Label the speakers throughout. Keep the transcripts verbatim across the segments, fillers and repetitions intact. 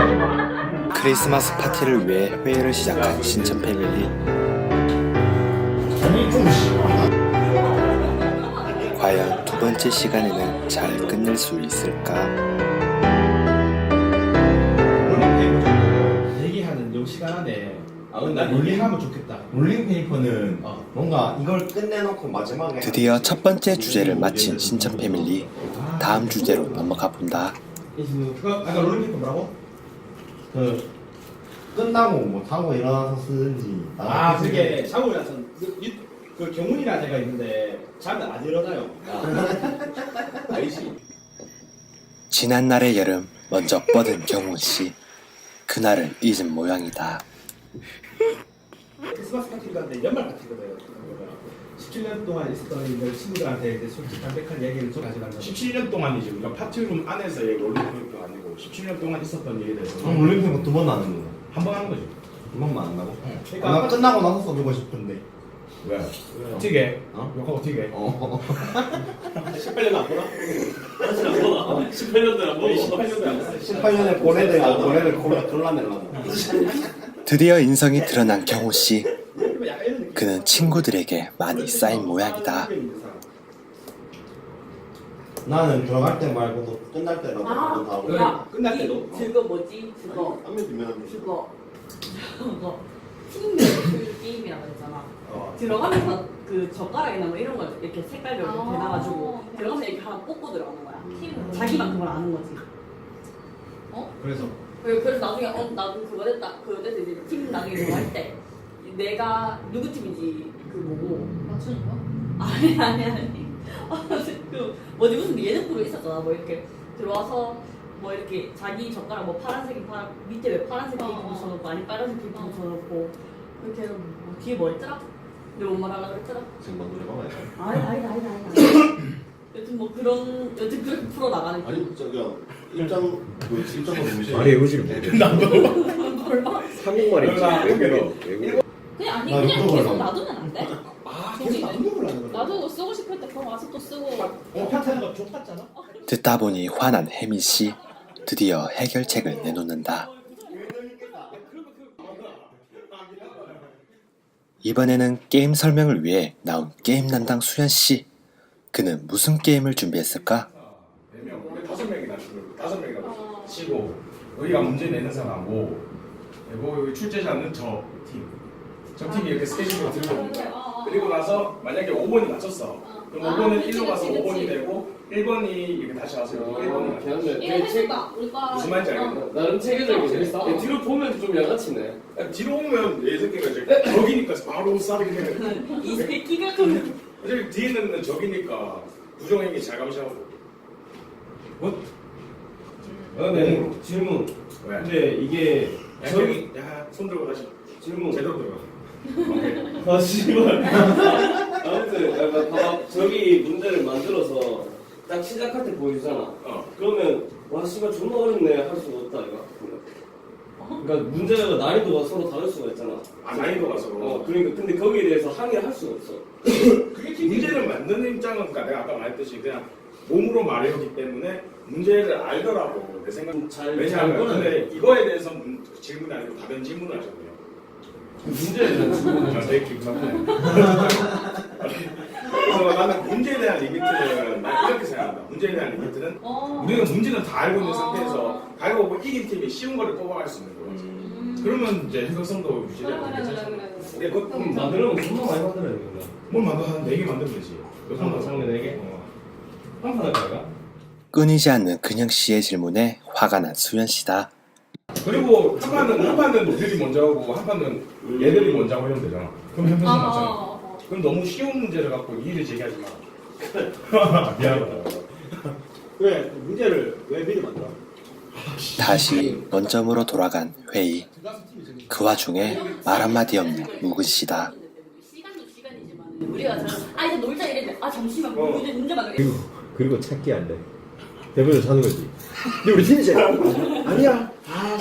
Speaker 1: 크리스마스 파티를 위해 회의를 시작한 신천 패밀리. 과연 두 번째 시간에는 잘 끝낼 수 있을까?
Speaker 2: 얘기하는 요 시간 안에
Speaker 3: 아, 근데
Speaker 2: 나 얘기하면 좋겠다.
Speaker 3: 롤링페이퍼는
Speaker 2: 어.
Speaker 3: 뭔가 이걸 끝내놓고 마지막에
Speaker 1: 드디어 첫 번째 주제를 마친 신천 패밀리. 다음 주제로 넘어가 본다.
Speaker 2: 그거 아까 롤링페이퍼 뭐라고?
Speaker 3: 그 끝나고 뭐 자고 일어나서 쓰든지
Speaker 2: 아 그게 자고 일어나서 그, 유- 그 경훈이라는 애가 있는데 자면 안 일어나요.
Speaker 3: 알지?
Speaker 1: 지난 날의 여름 먼저 뻗은 경훈씨. 그날을 잊은 모양이다.
Speaker 2: 크리스마스 파티를 갔는데 연말 파티거든. 십칠 년 동안 있었던 이들 친구들한테 이제 솔직히 담백한 얘기를 좀 가져간다.
Speaker 4: 십칠 년 동안이지. 우리가 파티룸 안에서의 롤링페이퍼가 아니고 십칠 년 동안 있었던 일에 대해서
Speaker 3: 그럼 롤링페이퍼 두 번 하는 거
Speaker 4: 한 번 하는 거지.
Speaker 3: 두 번만 한다고?
Speaker 2: 그러니까
Speaker 3: 나 끝나고 나서 써주고 싶은데
Speaker 4: 왜? 어떻게 해?
Speaker 3: 어?
Speaker 4: 욕하고 어떻게 해?
Speaker 3: 어
Speaker 2: 십팔 년 안 보나?
Speaker 5: 십팔 년도 안 보고
Speaker 2: 십팔 년도 안 보나?
Speaker 3: 십팔 년에 고래대가 고래를 골라 골라내려고
Speaker 1: 드디어 인성이 드러난 경호씨.
Speaker 2: 약간 이런 느낌.
Speaker 1: 그는 친구들에게 많이 쌓인 모양이다.
Speaker 3: 나는 들어갈 때 말고도 끝날 때라도
Speaker 6: 아.
Speaker 3: 모두 다 하고
Speaker 2: 그래, 끝날 때도.
Speaker 6: 그거 뭐지? 그거
Speaker 3: 안면 뒷면
Speaker 6: 그거 그거 팀 게임이라고 했잖아.
Speaker 2: 어.
Speaker 6: 들어가면서 그 젓가락이나 뭐 이런 거 이렇게 색깔별로 이렇게
Speaker 7: 아.
Speaker 6: 해놔가지고 들어가서 이렇게 하나 뽑고 들어가는 거야.
Speaker 7: 팀
Speaker 6: 자기만 그걸 아는 거지.
Speaker 2: 그래서
Speaker 6: 그리고 그래서 나중에 어 나도 그거 됐다 그거 됐다 이제 팀 나중에 들어갈 때 내가 누구 팀인지 그 뭐고
Speaker 7: 맞추는 거?
Speaker 6: 아니 아니 아니 그 뭐지 무슨 예능 프로 있었잖아. 뭐 이렇게 들어와서 뭐 이렇게 자기 젓가락 뭐 파란색이 파란 밑에 왜 파란색 테이프
Speaker 7: 어, 어.
Speaker 6: 붙여놓고 아니 빨간색 테이프
Speaker 7: 어.
Speaker 6: 붙여놓고 이렇게 해서 뭐 뒤에 뭐 했더라? 내가 뭔 말하려고 했더라?
Speaker 3: 생방 노래 봐봐야 돼
Speaker 6: 아니 아니 아니 아니 여튼 뭐 그런 여튼 그렇게 풀어 나가는
Speaker 3: 아니 저기요 일정 그 일정으로 무시
Speaker 8: 말의 의지를 모르겠네.
Speaker 6: 뭘 봐?
Speaker 8: 한국말인지 외국어 외국어
Speaker 7: 그냥 아니
Speaker 3: 나
Speaker 7: 그냥
Speaker 3: 이거
Speaker 7: 계속
Speaker 3: 몰라.
Speaker 7: 놔두면 안 돼?
Speaker 2: 아
Speaker 7: 저기.
Speaker 2: 계속 안 먹으려는 거야.
Speaker 7: 나도 쓰고 싶을 때 그럼 와서 또 쓰고
Speaker 2: 어 파티하는 거 좋았잖아.
Speaker 1: 듣다 보니 화난 혜민씨. 드디어 해결책을 내놓는다. 이번에는 게임 설명을 위해 나온 게임 남당 수연씨. 그는 무슨 게임을 준비했을까?
Speaker 4: 네 명, 우리 다섯 명이나 치고 다섯 명이나 치고 우리가 문제 내는 사람하고 그리고 여기 출제자는 저 팀. 저 팀이 이렇게 스케줄을 들고 그리고 나서 만약에 오 번이 맞췄어. 그럼
Speaker 7: 아,
Speaker 4: 오 번은
Speaker 7: 그치,
Speaker 4: 일로 가서
Speaker 7: 그치,
Speaker 4: 오 번이
Speaker 7: 그치.
Speaker 4: 되고 일 번이 이렇게 다시 와서 일 번이 맞춰.
Speaker 5: 걔는
Speaker 7: 이거 해줄까? 우리가
Speaker 4: 무슨 말인지 알겠네.
Speaker 7: 어.
Speaker 5: 나름 체계적이게 재밌어. 야, 뒤로 보면 좀 양아치네.
Speaker 4: 뒤로 오면 내 새끼가 이제 적이니까 바로 싸우게.
Speaker 6: 이 새끼가 좀
Speaker 4: 어차피 뒤에 있는 적이니까 부정행위 잘 감시하고.
Speaker 2: 어, 네. 질문.
Speaker 4: 왜?
Speaker 2: 근데 이게
Speaker 4: 야,
Speaker 2: 저기
Speaker 4: 야손 들고 다시
Speaker 2: 질문.
Speaker 4: 제대로 들어가. 오케이.
Speaker 2: 아 씨발.
Speaker 5: 아무튼 약간 봐봐. 저기 문제를 만들어서 딱 시작할 때 보여주잖아.
Speaker 4: 어.
Speaker 5: 그러면 와 씨발 존나 어렵네 할 수가 없다 이거. 그러니까 문제가 난이도가 서로 다를 수가 있잖아.
Speaker 4: 아 난이도가 서로.
Speaker 5: 어 그러니까 근데 거기에 대해서 항의를 할 수가 없어.
Speaker 4: 그게 문제를 만드는 입장은 그러니까 내가 아까 말했듯이 그냥 몸으로 말해오기 때문에 문제를 알더라고 내 생각.
Speaker 5: 잘
Speaker 4: 왜냐하면
Speaker 5: 잘 꺼내.
Speaker 4: 근데 이거에 대해서 문, 질문이 아니고 다른 질문을 하셨네요.
Speaker 5: 문제에 대한 질문을
Speaker 4: 아, 되게 기분 나쁘네. 그래서 나는 문제에 대한 리미트는 난 이렇게 생각한다. 문제에 대한 리미트는
Speaker 7: 어.
Speaker 4: 우리는 문제는 다 알고 있는
Speaker 7: 어.
Speaker 4: 상태에서 가위바위보 이긴 팀이 쉬운 거를 뽑아갈 수 있는 거지.
Speaker 7: 음.
Speaker 4: 그러면 이제 해석성도
Speaker 7: 그래
Speaker 4: 유지되고
Speaker 7: 그래 그래
Speaker 4: 괜찮잖아.
Speaker 7: 그래
Speaker 4: 근데 그
Speaker 5: 그럼 만들면 존나 많이 만들어야 되겠네.
Speaker 4: 뭘 만들어 한네 개 만들면 되지. 몇 번 더
Speaker 5: 장르 네 개?
Speaker 4: 어.
Speaker 5: 한판 할까 이거?
Speaker 1: 끊이지 않는 근영씨의 질문에 화가 난 수연씨다.
Speaker 4: 그리고 한 판은 한 판은 우리들이 먼저 하고 한 판은 얘들이 먼저 하고 이러면 되잖아. 그럼 현명성
Speaker 7: 아,
Speaker 4: 맞잖아.
Speaker 7: 어, 어.
Speaker 4: 그럼 너무 쉬운 문제를 갖고 이의를 제기하지 마. 미안하다.
Speaker 2: 왜 문제를 왜 미리 만들어?
Speaker 1: 다시 원점으로 돌아간 회의. 그 와중에 말 한마디 없는 묵은씨다.
Speaker 6: 시간도 시간이지만 우리가 잘, 아 이제 놀자 이랬는데 아 잠시만
Speaker 4: 어.
Speaker 6: 문제 문제 만들어.
Speaker 8: 그리고 그리고 찾기 안 돼. 대본을 찾는 거지. 근데 우리 팀이 제일 아니야.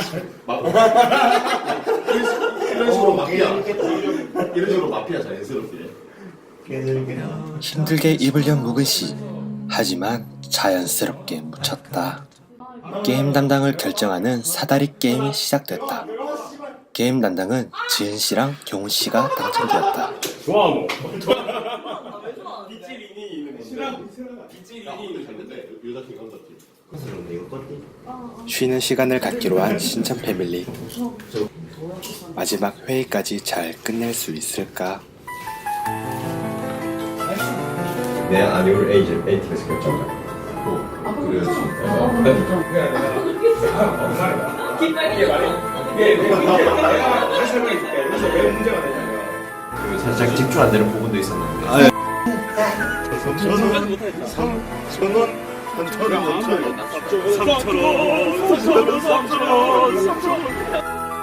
Speaker 3: 이런 식으로 마피아 이런 식으로 마피아 자연스럽게
Speaker 1: 힘들게 입을 연 묵은씨. 하지만 자연스럽게 묻혔다. 게임 담당을 결정하는 사다리 게임이 시작됐다. 게임 담당은 지은 씨랑 경훈 씨가 당첨되었다.
Speaker 4: 좋아 뭐.
Speaker 6: 아왜 좋아?
Speaker 5: 빗질인이 있는
Speaker 2: 싫어
Speaker 5: 건데.
Speaker 2: 싫어.
Speaker 5: 빗질인이 있는 건데.
Speaker 3: 여자 팀 남자 팀.
Speaker 5: 그런데 이거 껐니?
Speaker 1: 쉬는 시간을 갖기로 한 신천 패밀리. 마지막 회의까지 잘 끝낼 수 있을까?
Speaker 8: 내 아니올 에이즈 에이티에서 결정자.
Speaker 3: 그래야지.
Speaker 4: 그래 내가 엄마가 이게 말이 이게 내가 다시 설명해 줄게. 여기서 왜 문제가 되냐면
Speaker 8: 살짝 집중 안 되는 부분도 있었는데.
Speaker 3: 삼천원 삼천원 삼천원 삼천원